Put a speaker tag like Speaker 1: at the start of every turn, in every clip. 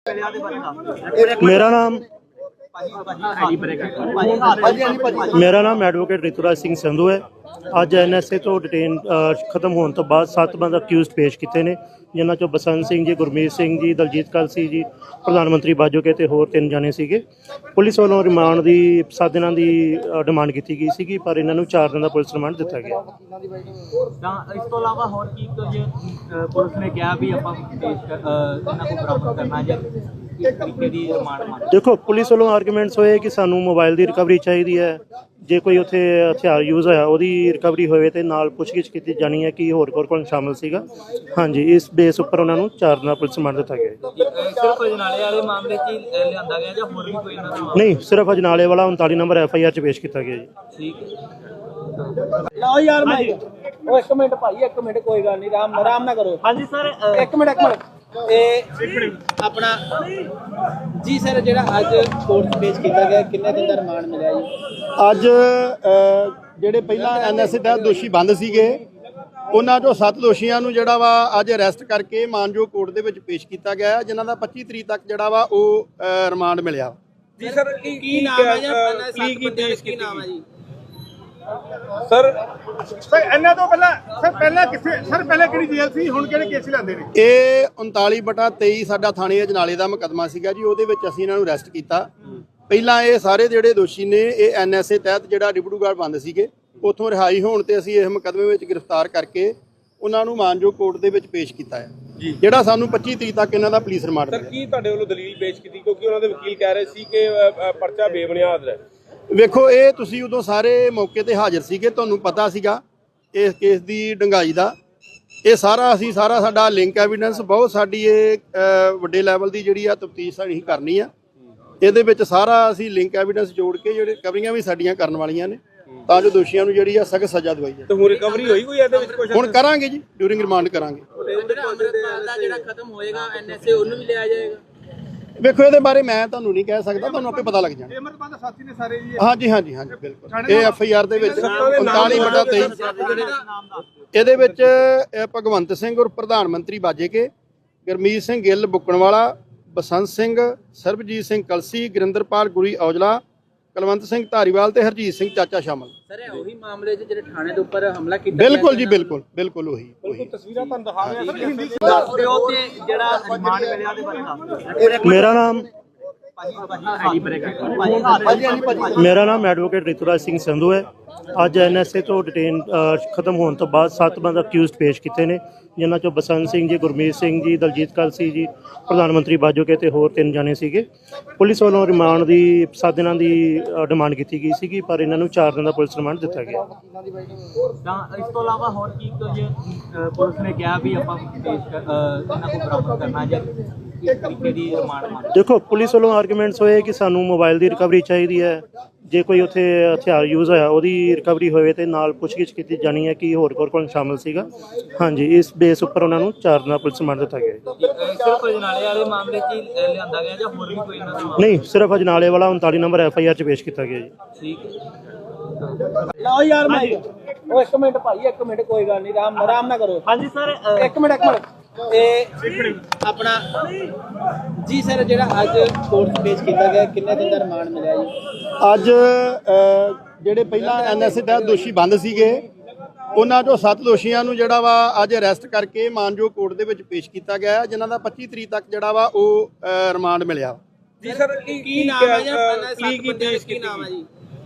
Speaker 1: मेरा नाम एडवोकेट ऋतुराज सिंह संधू है। ਅੱਜ NSA ਤੋਂ ਡਿਟੇਨ ਖਤਮ ਹੋਣ ਤੋਂ ਬਾਅਦ 7 ਬੰਦੇ ਅਕਿਊਜ਼ਡ ਪੇਸ਼ ਕੀਤੇ ਨੇ, ਜਿਨ੍ਹਾਂ 'ਚੋਂ ਬਸੰਤ ਸਿੰਘ ਜੀ, ਗੁਰਮੀਤ ਸਿੰਘ ਜੀ, ਦਲਜੀਤ ਕਲਸੀ ਜੀ, ਪ੍ਰਧਾਨ ਮੰਤਰੀ ਬਾਜੋਕੇ ਤੇ ਹੋਰ 3 ਜਾਣੇ ਸੀਗੇ। ਪੁਲਿਸ ਵੱਲੋਂ ਰਿਮਾਂਡ ਦੀ 7 ਦਿਨਾਂ ਦੀ ਡਿਮਾਂਡ ਕੀਤੀ ਗਈ ਸੀਗੀ, ਪਰ ਇਹਨਾਂ ਨੂੰ 4 ਦਿਨ ਦਾ ਪੁਲਿਸ ਰਿਮਾਂਡ ਦਿੱਤਾ ਗਿਆ।
Speaker 2: ਤਾਂ ਇਸ ਤੋਂ ਇਲਾਵਾ ਹੋਰ ਕੀ ਕੁਝ ਪੁਲਿਸ ਨੇ ਕਿਹਾ ਵੀ ਆਪਾਂ ਇਹਨਾਂ ਨੂੰ ਬਰਾਮਦ ਕਰਨਾ ਜਾਂ ਕਿਸ ਤਰੀਕੇ ਦੀ ਰਿਮਾਂਡ ਮੰਗ?
Speaker 1: ਦੇਖੋ, ਪੁਲਿਸ ਵੱਲੋਂ ਆਰਗੂਮੈਂਟਸ ਹੋਏ ਕਿ ਸਾਨੂੰ ਮੋਬਾਈਲ ਦੀ ਰਿਕਵਰੀ ਚਾਹੀਦੀ ਹੈ, ਜੇ ਕੋਈ ਉੱਥੇ ਹਥਿਆਰ ਯੂਜ਼ ਹੋਇਆ ਉਹਦੀ ਰਿਕਵਰੀ ਹੋਵੇ ਤੇ ਨਾਲ ਪੁੱਛਗਿੱਛ ਕੀਤੀ ਜਾਣੀ ਹੈ ਕਿ ਹੋਰ ਕੌਣ ਸ਼ਾਮਲ ਸੀਗਾ। ਹਾਂਜੀ, ਇਸ ਬੇਸ ਉੱਪਰ ਉਹਨਾਂ ਨੂੰ 4 ਦਿਨਾਂ ਪੁਲਿਸ ਰਿਮਾਂਡ ਦਿੱਤਾ ਗਿਆ।
Speaker 2: ਸਿਰਫ ਅਜਨਾਲੇ ਵਾਲੇ ਮਾਮਲੇ 'ਚ ਲਿਆਂਦਾ ਗਿਆ ਜਾਂ ਹੋਰ ਵੀ ਕੋਈ ਇਹਨਾਂ ਦਾ?
Speaker 1: ਨਹੀਂ, ਸਿਰਫ ਅਜਨਾਲੇ ਵਾਲਾ 39 ਨੰਬਰ FIR 'ਚ ਪੇਸ਼ ਕੀਤਾ ਗਿਆ ਜੀ।
Speaker 2: ਠੀਕ ਹੈ। ਲਓ ਯਾਰ ਭਾਈ, ਉਹ 1 ਮਿੰਟ ਭਾਈ, 1 ਮਿੰਟ, ਕੋਈ ਗੱਲ ਨਹੀਂ, ਆਰਾਮ ਨਾ ਕਰੋ। ਹਾਂਜੀ ਸਰ, 1 ਮਿੰਟ ਆਪਣਾ ਜੀ ਸਰ, ਜਿਹੜਾ ਅੱਜ ਕੋਰਟ ਪੇਸ਼ ਕੀਤਾ ਗਿਆ, ਕਿੰਨੇ ਦਿਨ ਦਾ ਰਿਮਾਂਡ ਮਿਲਿਆ ਜੀ?
Speaker 3: ਅੱਜ ਜਿਹੜੇ ਪਹਿਲਾਂ NSA ਤਹਿਤ ਦੋਸ਼ੀ ਬੰਦ ਸੀਗੇ, ਉਹਨਾਂ ਚੋਂ 7 ਦੋਸ਼ੀਆਂ ਨੂੰ ਜਿਹੜਾ ਵਾ ਅੱਜ ਅਰੈਸਟ ਕਰਕੇ ਮਾਨਯੋਗ ਕੋਰਟ ਦੇ ਵਿੱਚ ਪੇਸ਼ ਕੀਤਾ ਗਿਆ, ਜਿਨ੍ਹਾਂ ਦਾ 25 ਤਰੀਕ ਤੱਕ ਜਿਹੜਾ ਵਾ ਉਹ ਰਿਮਾਂਡ ਮਿਲਿਆ।
Speaker 2: ਜੀ ਸਰ, ਕੀ ਨਾਮ ਹੈ ਜੀ? ਕੀ ਨਾਮ ਹੈ ਜੀ
Speaker 4: ਸਰ ਇਹਨਾਂ ਤੋਂ ਪਹਿਲਾਂ ਕਿਹੜੀ ਜੇਲ੍ਹ ਸੀ, ਹੁਣ ਕਿਹੜੇ ਕੇਸ ਲੈਂਦੇ ਨੇ?
Speaker 3: ਇਹ 39/23 ਸਾਡਾ ਥਾਣੇ ਅਜਨਾਲੇ ਦਾ ਮੁਕੱਦਮਾ ਸੀਗਾ ਜੀ, ਉਹਦੇ ਵਿੱਚ ਅਸੀਂ ਇਹਨਾਂ ਨੂੰ ਅਰੈਸਟ ਕੀਤਾ। ਪਹਿਲਾਂ ਇਹ ਸਾਰੇ ਜਿਹੜੇ ਦੋਸ਼ੀ ਨੇ ਇਹ NSA ਤਹਿਤ ਜਿਹੜਾ ਡਿਬੜੂਗੜ੍ਹ ਬੰਦ ਸੀਗੇ, ਉੱਥੋਂ ਰਿਹਾਈ ਹੋਣ ਤੇ ਅਸੀਂ ਇਸ ਮੁਕੱਦਮੇ ਵਿੱਚ ਗ੍ਰਿਫਤਾਰ ਕਰਕੇ ਉਹਨਾਂ ਨੂੰ ਮਾਨਯੋਗ ਕੋਰਟ ਦੇ ਵਿੱਚ ਪੇਸ਼ ਕੀਤਾ ਹੈ, ਜਿਹੜਾ ਸਾਨੂੰ 25 ਤਰੀਕ ਤੱਕ ਇਹਨਾਂ ਦਾ ਪੁਲਿਸ ਰਿਮਾਂਡ ਮਿਲਿਆ।
Speaker 4: ਸਰ, ਕੀ ਤੁਹਾਡੇ ਵੱਲੋਂ ਦਲੀਲ ਪੇਸ਼ ਕੀਤੀ? ਕਿਉਂਕਿ ਉਹਨਾਂ ਦੇ ਵਕੀਲ ਕਹਿ ਰਹੇ ਸੀ ਕਿ ਪਰਚਾ ਬੇਬੁਨਿਆਦ ਹੈ।
Speaker 3: ਵੇਖੋ, ਇਹ ਤੁਸੀਂ ਉਦੋਂ ਸਾਰੇ ਮੌਕੇ ਤੇ ਹਾਜ਼ਰ ਸੀਗੇ, ਤੁਹਾਨੂੰ ਪਤਾ ਸੀਗਾ ਇਸ ਕੇਸ ਦੀ ਡੂੰਘਾਈ ਦਾ। ਇਹ ਸਾਰਾ ਸਾਡਾ ਲਿੰਕ ਐਵੀਡੈਂਸ, ਬਹੁਤ ਸਾਡੀ ਇਹ ਵੱਡੇ ਲੈਵਲ ਦੀ ਜਿਹੜੀ ਆ ਤਫਤੀਸ਼ ਸਾਡੀ ਕਰਨੀ ਆ। ਇਹਦੇ ਵਿੱਚ ਸਾਰਾ ਅਸੀਂ ਲਿੰਕ ਐਵੀਡੈਂਸ ਜੋੜ ਕੇ ਜਿਹੜੇ ਰਿਕਵਰੀਆਂ ਵੀ ਸਾਡੀਆਂ ਕਰਨ ਵਾਲੀਆਂ ਨੇ, ਤਾਂ ਜੋ ਦੋਸ਼ੀਆਂ ਨੂੰ ਜਿਹੜੀ ਆ ਸਖਤ ਸਜ਼ਾ ਦਵਾਈ ਜਾਵੇ।
Speaker 4: ਤੇ ਹੁਣ ਰਿਕਵਰੀ ਹੋਈ ਕੋਈ ਇਹਦੇ ਵਿੱਚ? ਕੁਝ
Speaker 3: ਹੁਣ ਕਰਾਂਗੇ ਜੀ, ਡਿਊਰਿੰਗ ਰਿਮਾਂਡ ਕਰਾਂਗੇ।
Speaker 2: ਜਿਹੜਾ ਖਤਮ ਹੋਏਗਾ NSA, ਉਹਨੂੰ ਵੀ ਲਿਆ ਜਾਏਗਾ?
Speaker 3: ਵੇਖੋ, ਇਹਦੇ ਬਾਰੇ ਮੈਂ ਤੁਹਾਨੂੰ ਨਹੀਂ ਕਹਿ ਸਕਦਾ, ਤੁਹਾਨੂੰ ਆਪੇ ਪਤਾ ਲੱਗ ਜਾਣਾ।
Speaker 4: ਅਮਰਪਾਲ ਸਾਥੀ ਨੇ ਸਾਰੇ ਜੀ?
Speaker 3: ਹਾਂਜੀ, ਬਿਲਕੁਲ। ਇਹ FIR ਦੇ ਵਿੱਚ 39/23 ਇਹਦੇ ਵਿੱਚ ਭਗਵੰਤ ਸਿੰਘ ਔਰ ਪ੍ਰਧਾਨ ਮੰਤਰੀ ਬਾਜੇਕੇ, ਗੁਰਮੀਤ ਸਿੰਘ ਗਿੱਲ ਬੁੱਕਣਵਾਲਾ, ਬਸੰਤ ਸਿੰਘ, ਸਰਬਜੀਤ ਸਿੰਘ ਕਲਸੀ, ਗੁਰਿੰਦਰਪਾਲ ਗੁਰੀ ਔਜਲਾ, ਕੁਲਵੰਤ ਸਿੰਘ ਧਾਰੀਵਾਲ ਤੇ ਹਰਜੀਤ ਸਿੰਘ ਚਾਚਾ ਸ਼ਾਮਲ।
Speaker 2: ਸਰ, ਇਹ ਉਹੀ ਮਾਮਲੇ 'ਚ ਜਿਹੜੇ ਥਾਣੇ ਦੇ ਉੱਪਰ ਹਮਲਾ ਕੀਤਾ?
Speaker 3: ਬਿਲਕੁਲ ਜੀ, ਬਿਲਕੁਲ ਉਹੀ।
Speaker 4: ਤਸਵੀਰਾਂ ਤੁਹਾਨੂੰ ਦਿਖਾ ਰਹੇ ਹਾਂ ਹਿੰਦੀ ਚ।
Speaker 2: ਦੱਸ ਦਿਓ ਤੇ ਜਿਹੜਾ ਰਿਮਾਂਡ ਮਿਲਿਆ ਦੇ ਬਾਰੇ ਦੱਸ ਦਿਓ।
Speaker 1: ਮੇਰਾ ਨਾਮ ਐਡਵੋਕੇਟ ऋतुराज सिंह संधू है। ਅੱਜ NSA ਤੋਂ ਡਿਟੇਨ ਖਤਮ ਹੋਣ ਤੋਂ ਬਾਅਦ 7 ਬੰਦੇ ਅਕਿਊਜ਼ਡ ਪੇਸ਼ ਕੀਤੇ ਨੇ, ਜਿਨ੍ਹਾਂ 'ਚੋਂ ਬਸੰਤ ਸਿੰਘ ਜੀ, ਗੁਰਮੀਤ ਸਿੰਘ ਜੀ, ਦਲਜੀਤ ਕਲਸੀ ਜੀ, ਪ੍ਰਧਾਨ ਮੰਤਰੀ ਬਾਜੋਕੇ ਤੇ ਹੋਰ 3 ਜਾਣੇ ਸੀਗੇ। ਪੁਲਿਸ ਵੱਲੋਂ ਰਿਮਾਂਡ ਦੀ 7 ਦਿਨਾਂ ਦੀ ਡਿਮਾਂਡ ਕੀਤੀ ਗਈ ਸੀਗੀ, ਪਰ ਇਹਨਾਂ ਨੂੰ 4 ਦਿਨ ਦਾ ਪੁਲਿਸ ਰਿਮਾਂਡ ਦਿੱਤਾ ਗਿਆ।
Speaker 2: ਤਾਂ ਇਸ ਤੋਂ ਇਲਾਵਾ ਹੋਰ ਕੀ ਕੁਝ ਪੁਲਿਸ ਨੇ ਕਿਹਾ ਵੀ ਆਪਾਂ ਇਹਨਾਂ ਨੂੰ ਬਰਾਮਦ ਕਰਨਾ ਜਾਂ ਕਿਸ ਤਰੀਕੇ ਦੀ ਰਿਮਾਂਡ ਮੰਗ?
Speaker 1: ਦੇਖੋ, ਪੁਲਿਸ ਵੱਲੋਂ ਆਰਗੂਮੈਂਟਸ ਹੋਏ ਕਿ ਸਾਨੂੰ ਮੋਬਾਈਲ ਦੀ ਰਿਕਵਰੀ ਚਾਹੀਦੀ ਹੈ, ਜੇ ਕੋਈ ਉੱਥੇ ਹਥਿਆਰ ਯੂਜ਼ ਹੋਇਆ ਉਹਦੀ ਰਿਕਵਰੀ ਹੋਵੇ ਤੇ ਨਾਲ ਪੁੱਛਗਿੱਛ ਕੀਤੀ ਜਾਣੀ ਹੈ ਕਿ ਹੋਰ ਕੌਣ ਸ਼ਾਮਲ ਸੀਗਾ। ਹਾਂਜੀ, ਇਸ ਬੇਸ ਉੱਪਰ ਉਹਨਾਂ ਨੂੰ 4 ਦਿਨ ਦਾ ਪੁਲਿਸ ਰਿਮਾਂਡ ਦਿੱਤਾ ਗਿਆ।
Speaker 2: ਸਿਰਫ ਅਜਨਾਲੇ ਵਾਲੇ ਮਾਮਲੇ 'ਚ ਲਿਆਂਦਾ ਗਿਆ ਜਾਂ ਹੋਰ ਵੀ ਕੋਈ ਇਹਨਾਂ ਦਾ?
Speaker 1: ਨਹੀਂ, ਸਿਰਫ ਅਜਨਾਲੇ ਵਾਲਾ 39 ਨੰਬਰ FIR 'ਚ ਪੇਸ਼ ਕੀਤਾ ਗਿਆ ਜੀ।
Speaker 2: ਠੀਕ ਹੈ। ਲਓ ਯਾਰ ਭਾਈ, ਉਹ 1 ਮਿੰਟ ਭਾਈ, 1 ਮਿੰਟ, ਕੋਈ ਗੱਲ ਨਹੀਂ, ਆਰਾਮ ਨਾ ਕਰੋ। ਹਾਂਜੀ ਸਰ, 1 ਮਿੰਟ ਆਪਣਾ ਜੀ ਸਰ, ਜਿਹੜਾ ਅੱਜ ਕੋਰਟ ਪੇਸ਼ ਕੀਤਾ ਗਿਆ, ਕਿੰਨੇ ਦਿਨ ਦਾ ਰਿਮਾਂਡ ਮਿਲਿਆ ਜੀ?
Speaker 3: ਅੱਜ ਜਿਹੜੇ ਪਹਿਲਾਂ NSA ਤਹਿਤ ਦੋਸ਼ੀ ਬੰਦ ਸੀਗੇ, ਉਹਨਾਂ ਚੋਂ 7 ਦੋਸ਼ੀਆਂ ਨੂੰ ਜਿਹੜਾ ਵਾ ਅੱਜ ਅਰੈਸਟ ਕਰਕੇ ਮਾਨਯੋਗ ਕੋਰਟ ਦੇ ਵਿੱਚ ਪੇਸ਼ ਕੀਤਾ ਗਿਆ, ਜਿਨ੍ਹਾਂ ਦਾ 25 ਤਰੀਕ ਤੱਕ ਜਿਹੜਾ ਵਾ ਉਹ ਰਿਮਾਂਡ ਮਿਲਿਆ।
Speaker 4: ਜੀ ਸਰ,
Speaker 2: ਕੀ ਨਾਮ ਹੈ ਜੀ? ਕੀ ਨਾਮ ਹੈ ਜੀ?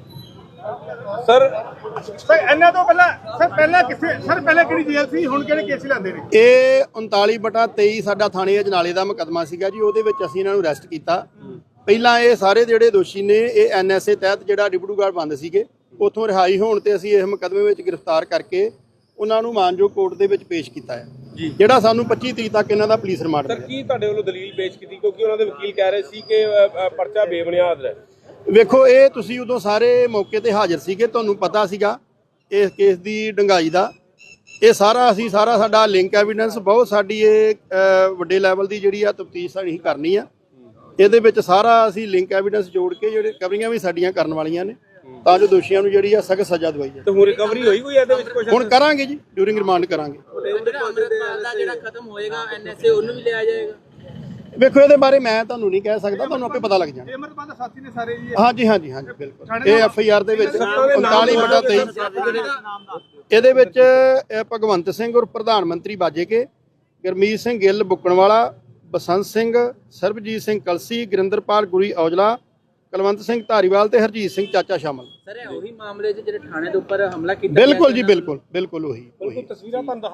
Speaker 4: ਸਰ ਇਹਨਾਂ ਤੋਂ ਪਹਿਲਾਂ ਕਿਹੜੀ ਜੇਲ੍ਹ ਸੀ, ਹੁਣ ਕਿਹੜੇ ਕੇਸ ਲੈਂਦੇ ਨੇ?
Speaker 3: ਇਹ 39/23 ਸਾਡਾ ਥਾਣੇ ਅਜਨਾਲੇ ਦਾ ਮੁਕੱਦਮਾ ਸੀਗਾ ਜੀ, ਉਹਦੇ ਵਿੱਚ ਅਸੀਂ ਇਹਨਾਂ ਨੂੰ ਅਰੈਸਟ ਕੀਤਾ। ਪਹਿਲਾਂ ਇਹ ਸਾਰੇ ਜਿਹੜੇ ਦੋਸ਼ੀ ਨੇ ਇਹ NSA ਤਹਿਤ ਜਿਹੜਾ ਡਿਬੜੂਗੜ੍ਹ ਬੰਦ ਸੀਗੇ, ਉੱਥੋਂ ਰਿਹਾਈ ਹੋਣ ਤੇ ਅਸੀਂ ਇਸ ਮੁਕੱਦਮੇ ਵਿੱਚ ਗ੍ਰਿਫਤਾਰ ਕਰਕੇ ਉਹਨਾਂ ਨੂੰ ਮਾਨਯੋਗ ਕੋਰਟ ਦੇ ਵਿੱਚ ਪੇਸ਼ ਕੀਤਾ ਹੈ, ਜਿਹੜਾ ਸਾਨੂੰ 25 ਤਰੀਕ ਤੱਕ ਇਹਨਾਂ ਦਾ ਪੁਲਿਸ ਰਿਮਾਂਡ ਮਿਲਿਆ।
Speaker 4: ਸਰ, ਕੀ ਤੁਹਾਡੇ ਵੱਲੋਂ ਦਲੀਲ ਪੇਸ਼ ਕੀਤੀ? ਕਿਉਂਕਿ ਉਹਨਾਂ ਦੇ ਵਕੀਲ ਕਹਿ ਰਹੇ ਸੀ ਕਿ ਪਰਚਾ ਬੇਬੁਨਿਆਦ ਹੈ।
Speaker 3: ਵੇਖੋ, ਇਹ ਤੁਸੀਂ ਉਦੋਂ ਸਾਰੇ ਮੌਕੇ ਤੇ ਹਾਜ਼ਰ ਸੀਗੇ, ਤੁਹਾਨੂੰ ਪਤਾ ਸੀਗਾ ਇਸ ਕੇਸ ਦੀ ਡੂੰਘਾਈ ਦਾ। ਇਹ ਸਾਰਾ ਸਾਡਾ ਲਿੰਕ ਐਵੀਡੈਂਸ, ਬਹੁਤ ਸਾਡੀ ਇਹ ਵੱਡੇ ਲੈਵਲ ਦੀ ਜਿਹੜੀ ਆ ਤਫਤੀਸ਼ ਸਾਡੀ ਕਰਨੀ ਆ। ਇਹਦੇ ਵਿੱਚ ਸਾਰਾ ਲਿੰਕ ਐਵੀਡੈਂਸ ਜੋੜ ਕੇ ਜਿਹੜੇ ਰਿਕਵਰੀਆਂ ਵੀ ਸਾਡੀਆਂ ਕਰਨ ਵਾਲੀਆਂ ਨੇ, ਤਾਂ ਜੋ ਦੋਸ਼ੀਆਂ ਨੂੰ ਜਿਹੜੀ ਆ ਸਖਤ ਸਜ਼ਾ ਦਵਾਈ ਜਾਵੇ।
Speaker 4: ਤੇ ਹੁਣ ਰਿਕਵਰੀ ਹੋਈ ਕੋਈ ਇਹਦੇ ਵਿੱਚ? ਕੁਝ
Speaker 3: ਹੁਣ ਕਰਾਂਗੇ ਜੀ, ਡਿਊਰਿੰਗ ਰਿਮਾਂਡ ਕਰਾਂਗੇ।
Speaker 2: ਜਿਹੜਾ ਖਤਮ ਹੋਏਗਾ NSA, ਉਹਨੂੰ ਵੀ ਲਿਆ ਜਾਏਗਾ?
Speaker 3: ਵੇਖੋ ਇਹਦੇ ਬਾਰੇ ਮੈਂ ਤੁਹਾਨੂੰ ਨਹੀਂ ਕਹਿ ਸਕਦਾ, ਤੁਹਾਨੂੰ ਆਪੇ ਪਤਾ ਲੱਗ ਜਾਣਾ।
Speaker 4: ਅਮਰਪਾਲ ਦੇ ਸਾਥੀ ਨੇ ਸਾਰੇ ਜੀ।
Speaker 3: ਹਾਂਜੀ ਹਾਂਜੀ ਹਾਂਜੀ ਬਿਲਕੁਲ। ਇਹ FIR ਦੇ ਵਿੱਚ 39/23 ਇਹਦੇ ਵਿੱਚ ਭਗਵੰਤ ਸਿੰਘ ਔਰ ਪ੍ਰਧਾਨ ਮੰਤਰੀ ਬਾਜੇਕੇ, ਗੁਰਮੀਤ ਸਿੰਘ ਗਿੱਲ ਬੁੱਕਣਵਾਲਾ, ਬਸੰਤ ਸਿੰਘ, ਸਰਬਜੀਤ ਸਿੰਘ ਕਲਸੀ, ਗੁਰਿੰਦਰਪਾਲ ਗੁਰੀ ਔਜਲਾ, ਕੁਲਵੰਤ ਸਿੰਘ ਧਾਰੀਵਾਲ ਤੇ ਹਰਜੀਤ ਸਿੰਘ ਚਾਚਾ ਸ਼ਾਮਲ।
Speaker 2: ਸਰ ਉਹੀ ਮਾਮਲੇ 'ਚ ਜਿਹੜੇ ਥਾਣੇ ਦੇ ਉੱਪਰ ਹਮਲਾ ਕੀਤਾ
Speaker 3: ਬਿਲਕੁਲ ਜੀ, ਬਿਲਕੁਲ ਉਹੀ।
Speaker 4: ਤਸਵੀਰਾਂ ਤੁਹਾਨੂੰ